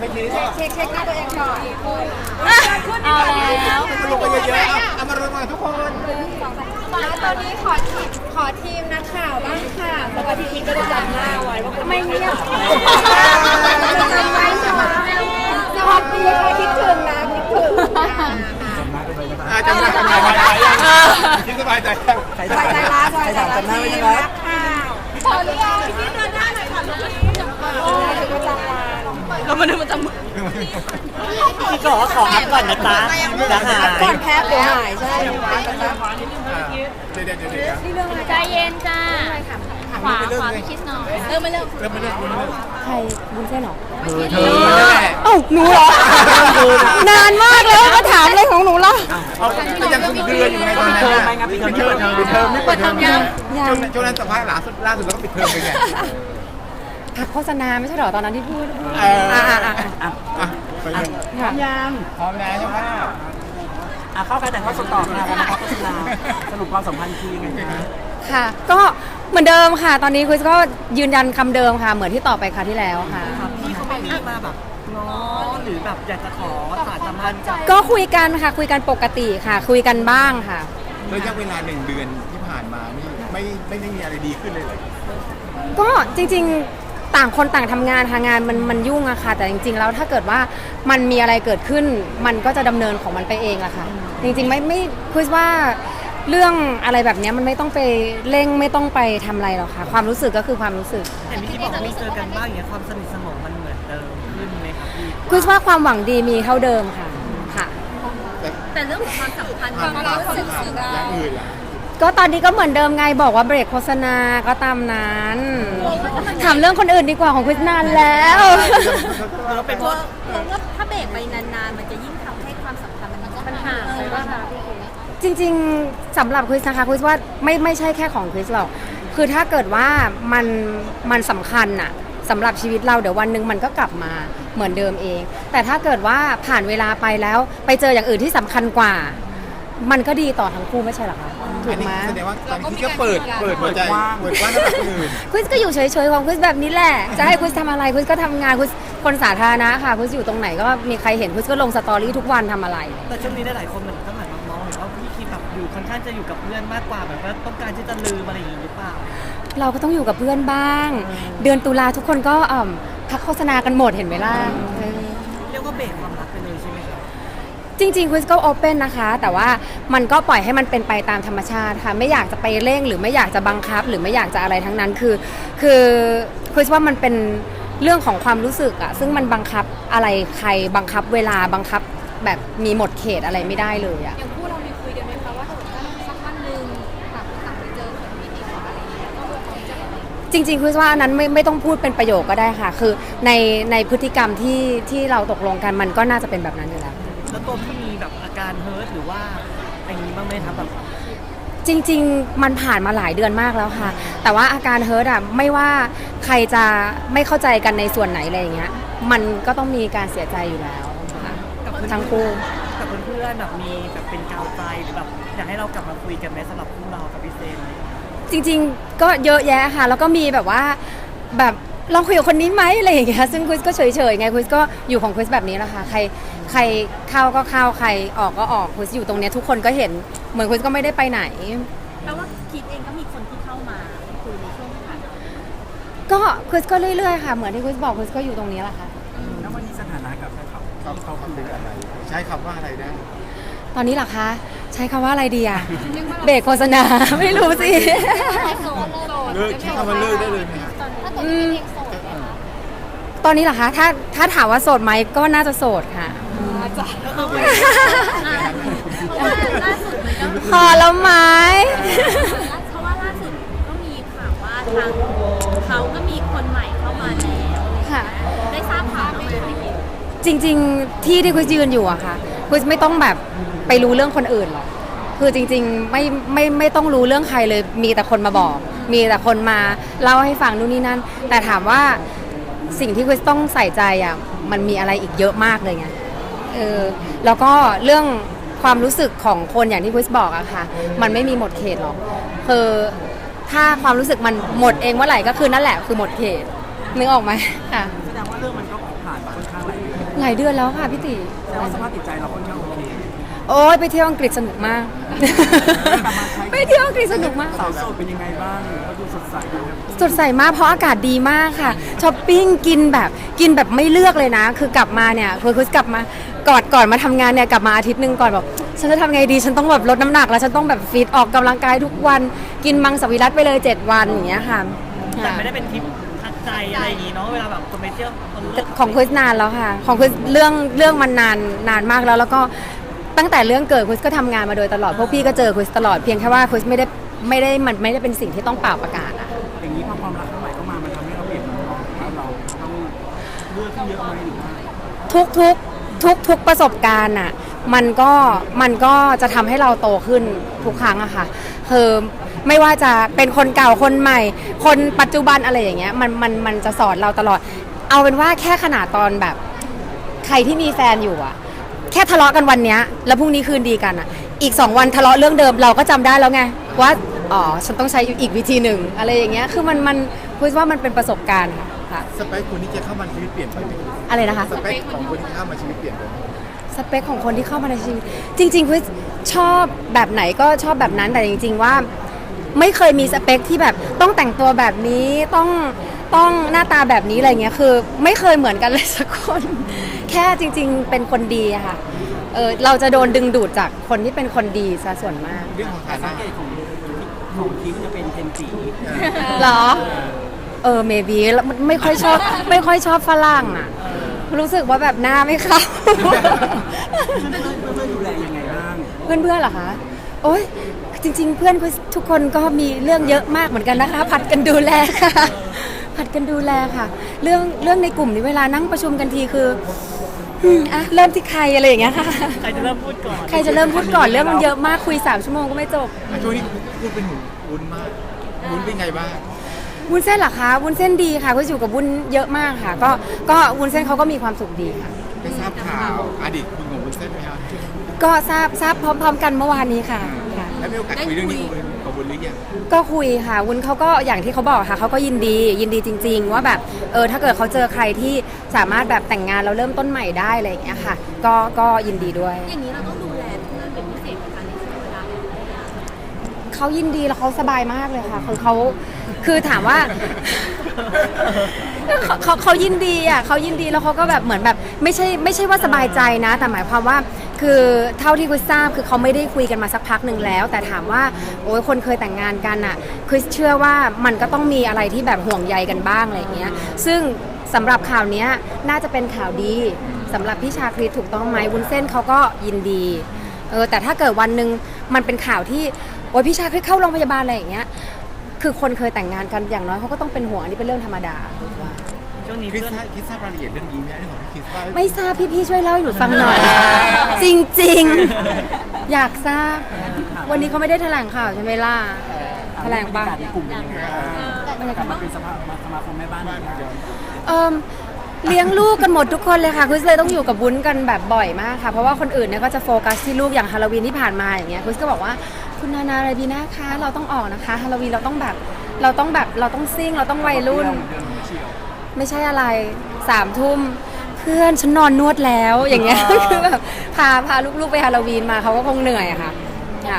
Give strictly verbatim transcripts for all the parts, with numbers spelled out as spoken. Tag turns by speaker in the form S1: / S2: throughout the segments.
S1: ไม่คิด
S2: เช็คเช็คเช็คหน้าตัวเองก่อน
S3: เอาแล้ว
S1: มันลงไปเยอะๆเอามารวมกันทุกคน
S2: แล้วตอนนี้ขอทีมขอทีมนักข่าวบ้างค่ะปกติทีมก็จะจำหน้าไว้ว่าไม่เงียบจะจำไว้ใช่ไหมสวัสดีค่ะคิดถึงนะคิดถึง
S1: อาจจะไม่ทำงานมาคิดสบายใจ
S2: สบายใจละสบายใจละทีมนักข่าว
S3: ขออนุญาตที่เดินหน้าหน่อยค่ะลูกพี่
S2: โอ้ยประจำวัน
S3: เรามาดูประจำ
S4: พี่ขอขออัพก่อนนะจ๊ะจะหาย
S2: ก่อนแพ้เดี๋ยวหายใช่ไหม
S1: เดี๋ยวเดี๋ยวเดี๋ยวเดี๋ยว
S2: นี่เรื่องอะไร
S3: ใจเย็นจ้าขวาขวาไปคิดหน่อยเริ่มมาเริ่ม
S1: เริ่มไม่เริ่มไม่เริ่ม
S2: ใครบุญเส้นหรอ
S1: เธอเธอนั่นแหละ
S2: เอ้าหนูเหรอ นานมากแล้วมาถามอะไรของหนูล่ะ
S1: เขาก็ยังคุมเครืออยู่ในตอนนั้นนะปิดเทอมปิดเทอมไม่เปิดเทอมยังช่วงนั้นสัมภาษณ์ล่าสุดล่าสุดแล้วก็ปิดเทอมไปไง
S2: พักโฆษณาไม่ใช่หรอตอนนั้นที่พูด
S1: เออ
S2: อ่าอ่าอ่า
S4: อ่ะ
S1: อ่ะไปเลย
S2: ค่ะ
S4: ยัง
S1: พร้อมแล้วใช่ไหม
S4: อ่ะเข้ากันแต่ข้อสอบต่อค่ะกันนะครับโฆษณาสรุปความสัมพันธ์คือยังไงคะ
S2: ค่ะ ก็เหมือนเดิมค่ะ ตอนนี้คุณก็ยืนยันคำเดิมค่ะ เหมือนที่ตอบไปคราวที่แล้วค่ะ
S4: พี่เขาไม่มีมาแบบง้อหรือแบบอยากจะขอสารสัมพันธ์กับ
S2: ก็คุยกันค่ะ คุยกันปกติค่ะ คุยกันบ้างค่ะ
S1: ระยะเวลาหนึ่งเดือนที่ผ่านมานี่ไม่ไม่ได้มีอะไรดีขึ้นเลยเลย
S2: ก็จริงๆต่างคนต่างทำงานทางงานมันมันยุ่งอะค่ะ แต่จริงๆแล้วถ้าเกิดว่ามันมีอะไรเกิดขึ้น มันก็จะดำเนินของมันไปเองอะค่ะ จริงๆไม่ไม่คุยว่าเรื่องอะไรแบบเนี้ยมันไม่ต้องไปเร่งไม่ต้องไปทำอะไรหรอกค่ะ ความรู้สึกก็คือความรู้สึก
S4: เห็นพี่บอกว่ามีเจอกันบ้างอย่างเงี้ยความสนิทสนมมันเหมือนเดิมขึ้นไหมครับพี่
S2: คุยว่าความหวังดีมีเท่าเดิมค่ะค่ะ
S3: แต่เรื่องของความสัมพันธ์
S1: ผ่าน
S3: ความ
S1: มา
S3: รู้สึกสึก
S1: อย่างอื่นล่ะ
S2: ก็ตอนนี้ก็เหมือนเดิมไงบอกว่าเบรกโฆษณาก็ตามนั้นถามเรื่องคนอื่นดีกว่าของคุยนานแล้ว
S4: แล้วเป็นเพ
S3: กลัว
S4: ราะ
S3: กลัวว่าถ้าเบรกไปนานๆ มันจะยิ่งทำให้ความสัมพันธ์มันปัญหาไปบ้างคะพี่เค
S2: จริงๆสำหรับคริสนะคะคริสว่าไม่ไม่ใช่แค่ของคริสหรอกคือถ้าเกิดว่ามันมันสำคัญอะสำหรับชีวิตเราเดี๋ยววันหนึ่งมันก็กลับมาเหมือนเดิมเอง แต่ถ้าเกิดว่าผ่านเวลาไปแล้วไปเจออย่างอื่นที่สำคัญกว่า มันก็ดีต่อทั้งคู่ไม่ใช่หรอคะถู
S1: อั
S2: ก
S1: นนี้
S2: ไหม
S1: แสดงว่าตอนนี้ก็เปิดเปิดหัวใจเปิดกว้างสำหรับคนอื่น
S2: คริสก็อยู่เฉยๆของคริสแบบนี้แหละจะให้คริสทำอะไรคริสก็ทำงานคริสคนสาธารณะค่ะคริสอยู่ตรงไหนก็มีใครเห็นคริสก็ลงสตอรี่ทุกวันทำอะไร
S4: แต่ช่วงนี้หลายๆคนเหมือนก็เหมือนมองเห็นว่าพี่คิดแบบอยู่ค่อนข้างจะอยู่กับเพื่อนมากกว่าแบบว่าต้องการที่จะลืมอะไรอย่างนี้หรือเปล่า
S2: เราก็ต้องอยู่กับเพื่อนบ้าง เดือนตุลาทุกคนก็อ่ำพักโฆษณากันหมดเห็นไหมล่ะเออ
S4: เรียกว่าเบรกความรักไปเลยใช่ไหมครับ
S2: จริงๆคริสก็โอเปนนะคะ แต่ว่ามันก็ปล่อยให้มันเป็นไปตามธรรมชาติค่ะไม่อยากจะไปเร่งหรือไม่อยากจะบังคับ หรือไม่อยากจะอะไรทั้งนั้นคือคือคริสว่ามันเป็นเรื่องของความรู้สึกอะซึ่งมันบังคับอะไรใครบังคับเวลาบังคับแบบมีหมดเขตอะไรไม่ได้เลยอะ
S3: อย่างคู่เรามีคุยกันไหมคะว่าถ้าสมมติว่าสักวันหนึ่งต่างคนต่างไปเจอคนที่ดีกว่าอะไรอย่างเงี้ยก็คงจะ
S2: จริงๆคือว่าอันนั้นไม่ไม่ต้องพูดเป็นประโยคก็ได้ค่ะ คือในในพฤติกรรมที่ที่เราตกลงกันมันก็น่าจะเป็นแบบนั้นอยู่แล้ว
S4: แล้วตัวพี่มีแบบอาการเฮิร์ตหรือว่าอย่างนี้บ้างไหมครับแบบ
S2: จริงๆมันผ่านมาหลายเดือนมากแล้วค่ะ แต่ว่าอาการเฮิร์ตอ่ะไม่ว่าใครจะไม่เข้าใจกันในส่วนไหนอะไรอย่างเงี้ยมันก็ต้องมีการเสียใจอยู่แล้วค่ะทั้งคู่
S4: กับเพื่อนๆแบบมีแบบเป็นกาวใจหรือแบบอยากให้เรากลับมาคุยกันไหมสำหรับคู่เรากับพี่เซน
S2: จริงๆก็เยอะแยะค่ะ แล้วก็มีแบบว่าแบบลองคุยกับคนนี้ไหมอะไรอย่างเงี้ยซึ่งคริสก็เฉยๆไงคริสก็อยู่ของคริสแบบนี้แหละค่ะใครใครเข้าก็เข้าใครออกก็ออกคริสอยู่ตรงเนี้ยทุกคนก็เห็นเหมือนคริสก็ไม่ได้ไปไหน
S3: แปลว่าคิดเองก็มีคนที่เข้ามาคุยในช่วงที่ผ่านมา
S2: ก็คริสก็เรื่อยๆค่ะเหมือนที่คริสบอกคริสก็อยู่ตรงนี้แหละค่ะ
S4: แล้ววันนี้สถานะกับเขา
S1: เขาเขาคืออะไรใช้คำว่าอะไรได้
S2: ตอนนี้เหรอคะใช้คำว่าอะไรดีอะเบรกโฆษณา ไม่รู้สิ
S1: เลิกใช้คำว่าเลิกได้เลยไหมครับ
S2: อืมตอนนี้เหรอคะถ้าถ้าถามว่าโสดไหมก็น่าจะโสดค่ะ
S3: ล่าสุดมันก็
S2: พอแล้วไหม
S3: เพราะว่าล่าสุดก็มีข่าวว่าทางเขาก็มีคนใหม่เข้ามาแล้ว
S2: ค่ะ
S3: ได้ทราบข่าวไหมคะ
S2: จริงๆที่ที่คริสยืนอยู่อะค่ะคริสไม่ต้องแบบไปรู้เรื่องคนอื่นหรอกคือจริงๆไม่ไม่ไม่ต้องรู้เรื่องใครเลยมีแต่คนมาบอก มีแต่คนมาเล่าให้ฟังนู่นนี่นั่นแต่ถามว่าสิ่งที่คริสต้องใส่ใจอะมันมีอะไรอีกเยอะมากเลยไงเออแล้วก็เรื่องความรู้สึกของคนอย่างที่คริสบอกอะค่ะมันไม่มีหมดเขตหรอกคือถ้าความรู้สึกมันหมดเองเมื่อไหร่ก็คือนั่นแหละคือหมดเขตนึกออกไหมค่ะ
S4: แสดงว่าเรื่องมันก็ผ่านมาค่อนข้างหลายเดือน
S2: หลายเดือนแล้วค่ะพี่ติ
S4: แต่ว่าสภาพจิตใจเราค่อนข้างโอเค
S2: โอ้ยไปเที่ยวอังกฤษสนุกมาก ไปเที่ยวอังกฤษสนุกมาก
S4: สาวโสดเป็นยังไงบ้างก็ดูสดใสดูแบบ
S2: สดใสมากเพราะอากาศดีมากค่ะช้อปปิ้งกินแบบกินแบบไม่เลือกเลยนะ คือกลับมาเนี่ยคือคือกลับมาก่อนก่อนมาทำงานเนี่ยกลับมาอาทิตย์หนึ่งก่อนแบบฉันจะทำไงดีฉันต้องแบบลดน้ำหนักแล้วฉันต้องแบบฟิตออกกำลังกายทุกวันกินมังสวิรัติไปเลยเจ็ดวันอย่างเงี้ยค่ะ
S4: แต่ไม่ได้เป็นทริปทักใจอะไรอย่างงี้เนาะเวลาแบบคนไปเที่ยวคนเลือก
S2: ของคุยนานแล้วค่ะ ของคุยเรื่องเรื่องมันนานนานมากแล้วแล้วก็ตั้งแต่เรื่องเกิดคุยก็ทำงานมาโดยตลอดพวกพี่ก็เจอคุยตลอดเพียงแค่ว่าคุยไม่ได้ไม่ได้มันไม่ได้เป็นสิ่งที่ต้องเป่าประกาศอะ
S4: อย่างนี้พอความรักใหม่เข้ามามันทำให้เราเปลี่ยนมุมมองว่าเราต้องเลือกที่เยอะไหมหรือว่า
S2: ทุกทุกทุกทุกประสบการณ์อ่ะมันก็มันก็จะทำให้เราโตขึ้นทุกครั้งอะค่ะคือไม่ว่าจะเป็นคนเก่าคนใหม่ คนปัจจุบันอะไรอย่างเงี้ยมันมันมันจะสอนเราตลอด เอาเป็นว่าแค่ขนาดตอนแบบใครที่มีแฟนอยู่อะแค่ทะเลาะกันวันเนี้ยแล้วพรุ่งนี้คืนดีกันอะอีกสองวันทะเลาะเรื่องเดิมเราก็จำได้แล้วไงว่าอ๋อฉันต้องใช้อีกวิธีหนึ่งอะไรอย่างเงี้ยคือมันมันพูดว่ามันเป็นประสบการณ์ค่ะค่ะ
S1: สเปคคนที่จะเข้ามาในชีวิตเปลี่ยนไปไหม
S2: อะไรนะคะ
S1: สเปคของคนที่เข้ามาชีวิตเปลี่ยนไปไหม
S2: สเปคของคนที่เข้ามาในชีวิตจริงๆคือชอบแบบไหนก็ชอบแบบนั้นแต่จริง ๆว่าไม่เคยมีสเปคที่แบบต้องแต่งตัวแบบนี้ต้องต้องหน้าตาแบบนี้อะไรเงี้ยคือไม่เคยเหมือนกันเลยสักคน แค่จริง ๆ เป็นคนดีอะค่ะเออเราจะโดนดึงดูดจากคนที่เป็นคนดีซะส่วนมาก
S1: เรื่องของฐา
S4: สั
S1: นะ
S4: งเกตของของคิมจะเป็นเทนสี
S2: เหรอเออเมบีไม่ค่อยชอบไม่ค่อยชอบฝรั่งอะรู้สึกว่าแบบหน้าไม่เข้า
S4: เพื่อนเพื่อนดูแลยังไงบ้าง
S2: เพื่อนเพื่อนๆเหรอคะ โอ๊ย จริง ๆ เพื่อนทุกคนก็มีเรื่องเยอะมากเหมือนกันนะคะ ผัดกันดูแลค่ะ ผัดกันดูแลค่ะ เรื่องเรื่องในกลุ่มนี้เวลานั่งประชุมกันทีคืออืมอ่ะเริ่มที่ใครอะไรอย่างเงี้ยค่ะ
S4: ใครจะเริ่มพูดก่อน
S2: ใครจะเริ่มพูดก่อนเรื่องมันเยอะมากคุยสามชั่วโมงก็ไม่จบ
S1: ช่วงนี้พูดเป็นหุ่นวุ้นมากวุ้นเป็นไงบ้าง
S2: วุ้นเส้นเหรอคะวุ้นเส้นดีค่ะก็อยู่กับวุ้นเยอะมากค่ะ ก็ก็วุ้นเส้นเขาก็มีความสุขดีค่ะ
S1: ได้ทราบข่าวอดีตคุณของวุ้นเส้นไหมครับ
S2: ก็ทราบทราบพร้อม ๆ กันเมื่อวานนี้ค่ะค่ะ
S1: แล้วมีโอกาสคุยเรื่องนี้กับวุ้นหรือยัง
S2: ก็คุยค่ะวุ้นเขาก็อย่างที่เขาบอกค่ะเขาก็ยินดียินดีจริง ๆ ว่าแบบเออถ้าเกิดเขาเจอใครที่สามารถแบบแต่งงานแล้วเริ่มต้นใหม่ได้อะไรอย่างเงี้ยค่ะ ก็ก็ยินดีด้วย
S3: อย่างนี้เราต้องดูแลเพื่อนเป็นพิเศษไหมคะในช่วงเวลาแบบนี้
S2: เขายินดีแล้วเขาสบายมากเลยค่ะคือเขาคือถามว่า เขาเขาเขายินดีอ่ะเขายินดีแล้วเขาก็แบบเหมือนแบบไม่ใช่ไม่ใช่ว่าสบายใจนะ แต่หมายความว่าคือเท่าที่คุยทราบคือเขาไม่ได้คุยกันมาสักพักหนึ่งแล้ว แต่ถามว่าโอ้ยคนเคยแต่งงานกันอ่ะคือเชื่อว่ามันก็ต้องมีอะไรที่แบบห่วงใยกันบ้างอะไรอย่างเงี้ยซึ่งสำหรับข่าวเนี้ยน่าจะเป็นข่าวดีสำหรับพี่ชาคริสถูกต้องไหมวุ้นเส้นเขาก็ยินดีเออแต่ถ้าเกิดวันหนึ่งมันเป็นข่าวที่โอ้ยพี่ชาคริสเข้าโรงพยาบาลอะไรอย่างเงี้ยคือคนเคยแต่งงานกันอย่างน้อยเขาก็ต้องเป็นห่วงอันนี้เป็นเรื่องธรรมดา
S4: ช่วงนี้
S1: คริส
S4: เพื่อน
S1: ทราบคริสทราบรายละเอียดเรื่องนี้ไหมเรื่องของพี่คริสว่า
S2: ไม่ทราบพี่ๆช่วยเล่าให้หนูฟังหน่อย จริงๆ อยากทราบ วันนี้เขาไม่ได้แถลงข่าวใช่ไหมล่ะแถลงปะ
S4: ในกลุ่มเป็นยังไงบ้างกลับมาเป็นสภาสมาคมแม่บ้านอีกแล้ว
S2: เอิมเลี้ยงลูกกันหมดทุกคนเลยค่ะคุณเลยต้องอยู่กับวุ้นกันแบบบ่อยมากค่ะเพราะว่าคนอื่นเนี่ยก็จะโฟกัสที่ลูกอย่างฮาโลวีนที่ผ่านมาอย่างเงี้ยคุณก็บอกว่าคุณนานาอะไรบีนะคะเราต้องออกนะคะฮาโลวีนเราต้องแบบเราต้องแบบเราต้องซิ่งเราต้องวัยรุ่น ไม่ใช่อะไรสามทุ่มเพื่อนฉันนอนนวดแล้วอย่างเงี้ย คือแบบพาพาลูกๆไปฮาโลวีนมาเขาก็คงเหนื่อยอะค่ะค่ะ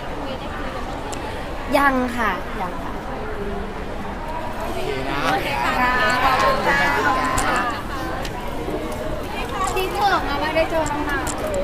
S2: ยังค่ะยังค่ะ
S1: โอเคนะ
S2: ที่เถอะมาไม่ได้เจอน้อง